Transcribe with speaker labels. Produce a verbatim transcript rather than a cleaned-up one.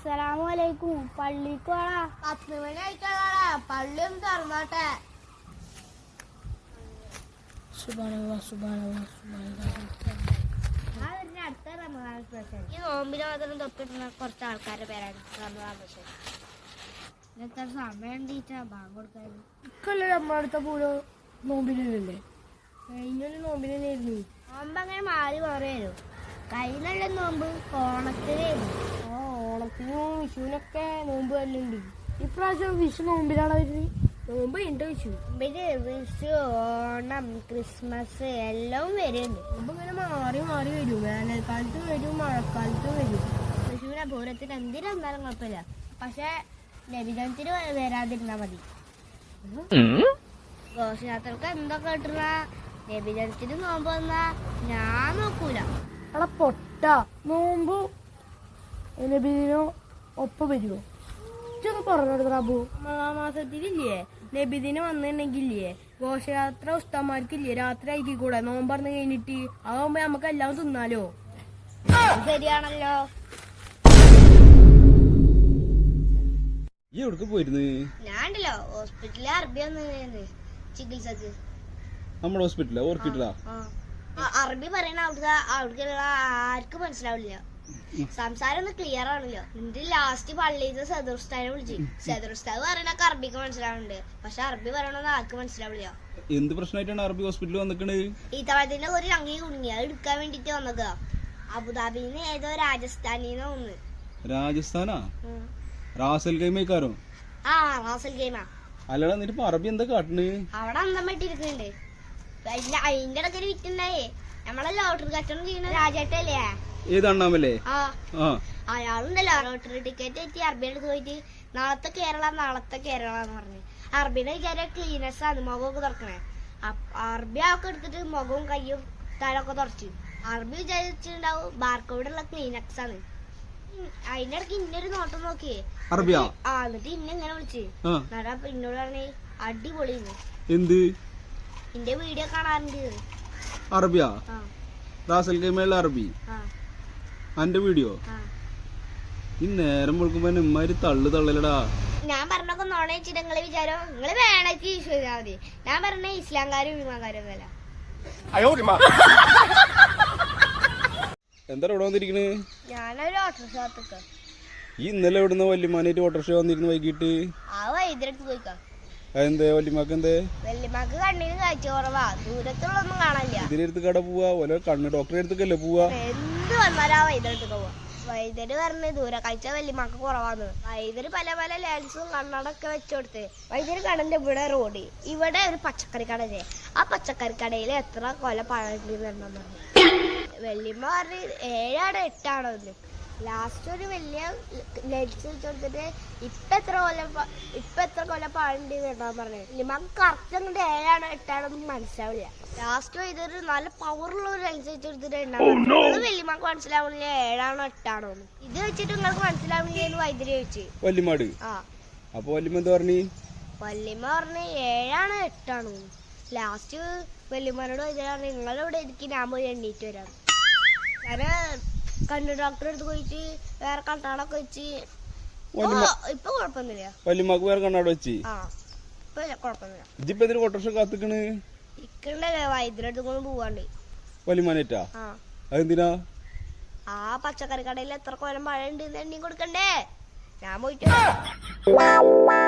Speaker 1: അസ്സലാമലൈക്കും. പള്ളിക്ക് പോടാ.
Speaker 2: പത്ത് മണി ആയിട്ടാടാ. പള്ളി ഒന്ന് തുറന്നോട്ടെ.
Speaker 1: അടുത്ത റമദാൻ സ്പെഷ്യൽ. ഈ നോമ്പിന് മാത്രം തൊപ്പിട്ടുന്ന കുറച്ച് ആൾക്കാരുടെ പേരാണ് റമദാൻ സ്പെഷ്യൽ. എത്ര സമയം ടീച്ചാ ബാങ്ക് കൊടുക്കാൻ?
Speaker 2: ഇക്കല്ലേ നമ്മളടുത്ത പൂരോ നോമ്പിനല്ലേ? കഴിഞ്ഞൊരു നോമ്പിനായിരുന്നു.
Speaker 1: നോമ്പ് അങ്ങനെ മാറി മാറി വരും. കഴിഞ്ഞുള്ള നോമ്പ് ഓണത്തിനായിരുന്നു.
Speaker 2: ആ ഓണത്തിനും വിഷുവിനൊക്കെ നോമ്പ് തന്നെയുണ്ട്. ഇപ്രാവശ്യം വിഷു നോമ്പിലാണ് വരുന്നത്. നോമ്പ് ഉണ്ട് വിഷു.
Speaker 1: പിന്നെ വിഷു, ഓണം, ക്രിസ്മസ് എല്ലാം വരുന്നുണ്ട്.
Speaker 2: നോമ്പ് ഇങ്ങനെ മാറി മാറി വരും. വേനൽക്കാലത്ത് വരും, മഴക്കാലത്ത് വരും.
Speaker 1: വിഷുവിനെ പൂരത്തിന് എന്തിനെന്നാലും കുഴപ്പമില്ല. പക്ഷെ നബിദിനത്തിന് വരാതിരുന്നാ മതി. ഘോഷയാത്രക്ക് എന്തൊക്കെ കിട്ടുന്ന നബിദിനത്തിന് നോമ്പ് വന്നാ ഞാൻ നോക്കൂല.
Speaker 2: അവിടെ പൊട്ട നോമ്പ് നബിദിനോ ഒപ്പം വരുമോ? ഇതൊക്കെ പറഞ്ഞെടുത്ത അബു. മാസത്തിലില്ലേ നബിദിനം വന്നിട്ടുണ്ടെങ്കിലേ ഘോഷയാത്ര ഉസ്താമാർക്കില്ലേ രാത്രി ആയിക്കൂടെ നോമ്പ് പറഞ്ഞ് കഴിഞ്ഞിട്ട് അതാകുമ്പോ നമുക്ക് എല്ലാം തിന്നാലോ.
Speaker 1: ശരിയാണല്ലോ. ഞാണ്ടല്ലോ ഹോസ്പിറ്റലിൽ അറബി വന്നു ചികിത്സക്ക്.
Speaker 3: നമ്മുടെ ഹോസ്പിറ്റലാ ഹോസ്പിറ്റലാ
Speaker 1: അറബി പറയണ അവിടുത്തെ അവിടേക്കുള്ള ആർക്കും മനസ്സിലാവില്ല. സംസാരം ഒന്ന് ക്ലിയർ ആണല്ലോ. എന്നിട്ട് ലാസ്റ്റ് പള്ളിയിൽ സദുർസ്ഥാനെ വിളിച്ചു. സദുർസ്ഥാവ് പറയണൊക്കെ അറബിക്ക് മനസ്സിലാവുന്നുണ്ട്. പക്ഷെ അറബി പറയണമെന്ന് ആർക്കും മനസ്സിലാവില്ല.
Speaker 3: എന്ത് പ്രശ്നമായിട്ടാണ് അറബി ഹോസ്പിറ്റലിൽ വന്നിക്കണത്?
Speaker 1: ഈ തവണത്തിന്റെ ഒരു അങ്കി കുടുങ്ങി അത് എടുക്കാൻ വേണ്ടിട്ട് വന്നതാ. അബുദാബിന്ന് ഏതോ രാജസ്ഥാനിന്ന് വന്ന്.
Speaker 3: രാജസ്ഥാനാ? റാസൽ ഗെയിമേക്കാരോ?
Speaker 1: ആ റാസൽ ഗെയിമാ.
Speaker 3: അല്ലടാ എന്നിട്ട് അറബി എന്താ കാട്ടണ്?
Speaker 1: അവിടെ അന്തം വെട്ടിരിക്കുന്നുണ്ട്. അതിന്റെ ഇടയ്ക്ക് ഒരു വിറ്റുണ്ടായേ. നമ്മളെ ലോട്ടറി കച്ചവടം ചെയ്യുന്ന രാജേട്ടല്ലേ?
Speaker 3: ഏത് അണ്ണാമല്ലേ?
Speaker 1: ആ അയാളുണ്ടല്ലോ ലോട്ടറി ടിക്കറ്റ് എത്തി അറബിയുടെ അടുത്ത് പോയിട്ട് നാളത്തെ കേരള നാളത്തെ കേരള എന്ന് പറഞ്ഞു. അറബിയുടെ വിചാരം ക്ലീനസ് ആണ് മുഖമൊക്കെ തുറക്കണേ. അറബി ഒക്കെ എടുത്തിട്ട് മുഖവും കയ്യും തലൊക്കെ തുറച്ചു. അറബി വിചാരിച്ചിട്ടുണ്ടാവും ബാർക്കോടുള്ള ക്ലീനക്സ് ആണ്. അതിന്റെ ഇടയ്ക്ക് ഇന്നൊരു നോട്ടം നോക്കിയേ
Speaker 3: അറബിയാ.
Speaker 1: ആ എന്നിട്ട് ഇന്നെ ഇങ്ങനെ വിളിച്ച് അപ്പൊ എന്നോട് പറഞ്ഞേ അടിപൊളിന്ന്.
Speaker 3: എന്ത്?
Speaker 1: എന്റെ വീഡിയോ കാണാറുണ്ട്.
Speaker 3: അറബിയാ? റാസൽ ഗെയിമുള്ള അറബി അന്റെ വീഡിയോ? ഈ നേരം വിളിക്കുമ്പോ ഇമ്മാര് തള്ളു തള്ളലടാ.
Speaker 1: ഞാൻ പറഞ്ഞൊക്കെ നോണ വെച്ചിട്ട് നിങ്ങളെ വിചാരം നിങ്ങള് വേണക്ക് വിശ്വസിച്ചാൽ മതി. ഞാൻ പറഞ്ഞ ഇസ്ലാംകാരും വിമാകാരും ഒന്നുമല്ല.
Speaker 3: എന്താ ഇവിടെ വന്നിരിക്കണ്?
Speaker 1: ഞാനൊരു ഓട്ടോറിക്ഷ കാത്തുക്ക.
Speaker 3: ഈ ഇന്നലെ എവിടുന്ന വല്യമാനായിട്ട് ഓട്ടോറിക്ഷ വന്നിരുന്നു വൈകിട്ട്?
Speaker 1: ആ വൈദ്യുതി പോയിക്കാം.
Speaker 3: അതെന്തേ വല്യമാക്ക് എന്തേ?
Speaker 1: വല്യമാക്ക് കണ്ണിന് കാഴ്ച കുറവാ. ദൂരത്തുള്ളൊന്നും കാണാനില്ല.
Speaker 3: ഇതിനടുത്ത് കട പോവാ ഓരോ കണ്ണ് ഡോക്ടറെ അടുത്തേക്കല്ലേ പോവാ?
Speaker 1: എന്ത് വന്നാലും ആ വൈദ്യുതി പോവാ. വൈദ്യുതി പറഞ്ഞ് ദൂര കാഴ്ച വല്യമാക്ക് കുറവാന്ന്. വൈദ്യുതി പല പല ലെൻസും കണ്ണടൊക്കെ വെച്ചോടുത്ത് വൈദ്യുതി കടന്റെ ഇവിടെ റോഡ് ഇവിടെ ഒരു പച്ചക്കറി കടയില്ലേ. ആ പച്ചക്കറി കടയിൽ എത്ര കൊല പഴണ്ടെന്ന് പറഞ്ഞു. വല്യമ്മ പറഞ്ഞ് ഏഴാണോ എട്ടാണോ എന്ന്. ലാസ്റ്റ് ഒരു വലിയ ലെൻസ് വെച്ചെടുത്തിട്ട് ഇപ്പൊ എത്ര കൊല ഇപ്പൊ എത്ര കൊല പാടുണ്ട് കേട്ടാ പറഞ്ഞത്. വല്യമ്മക്ക് കറക്റ്റ് അങ്ങോട്ട് ഏഴാണോ എട്ടാണോ ഒന്നും മനസ്സിലാവില്ല. ലാസ്റ്റ് ഇതൊരു നല്ല പവറുള്ള ഒരു ലെൻസ് വെച്ചെടുത്തിട്ട് ഉണ്ടാവും. വല്യമ്മക്ക് മനസ്സിലാവില്ല ഏഴാണോ എട്ടാണോ എന്ന്. ഇത് വെച്ചിട്ട് നിങ്ങൾക്ക് മനസ്സിലാവില്ലെന്ന് വൈദ്യുതി ചോദിച്ചു
Speaker 3: വല്യമാട്. ആ അപ്പൊ വല്യമ്മ എന്താ പറഞ്ഞു?
Speaker 1: വല്യമ്മ പറഞ്ഞ് ഏഴാണോ എട്ടാണോ. ലാസ്റ്റ് വല്യമ്മനോട് വൈദ്യുതി പറഞ്ഞു നിങ്ങളിവിടെ ഇരിക്കും ഞാൻ പോയി എണ്ണീറ്റ് വരാം. ഞാന് കണ്ണു ഡോക്ടറെ അടുത്ത് പോയിട്ട് വേറെ കണ്ണാടൊക്കെ വെച്ച് ഇപ്പൊ കുഴപ്പമൊന്നുമില്ല.
Speaker 3: വല്യമ്മക്ക് വേറെ കണ്ണാട് വെച്ച്
Speaker 1: ആ ഇപ്പൊ കുഴപ്പമൊന്നുമില്ല.
Speaker 3: ഇജിപ്പോ എന്തിനു ഓട്ടോറിക്ഷ കാത്തിക്കണ്?
Speaker 1: ഇക്കണ്ടല്ലേ വൈദ്യുതി അടുത്ത് കൊണ്ട് പോവാണ്ട്.
Speaker 3: വല്യമാനേറ്റാ?
Speaker 1: ആ
Speaker 3: അതെന്തിനാ?
Speaker 1: ആ പച്ചക്കറി കടയിൽ എത്ര കൊല്ലം മഴ ഉണ്ട് എണ്ണി കൊടുക്കണ്ടേ. ഞാൻ പോയിട്ട്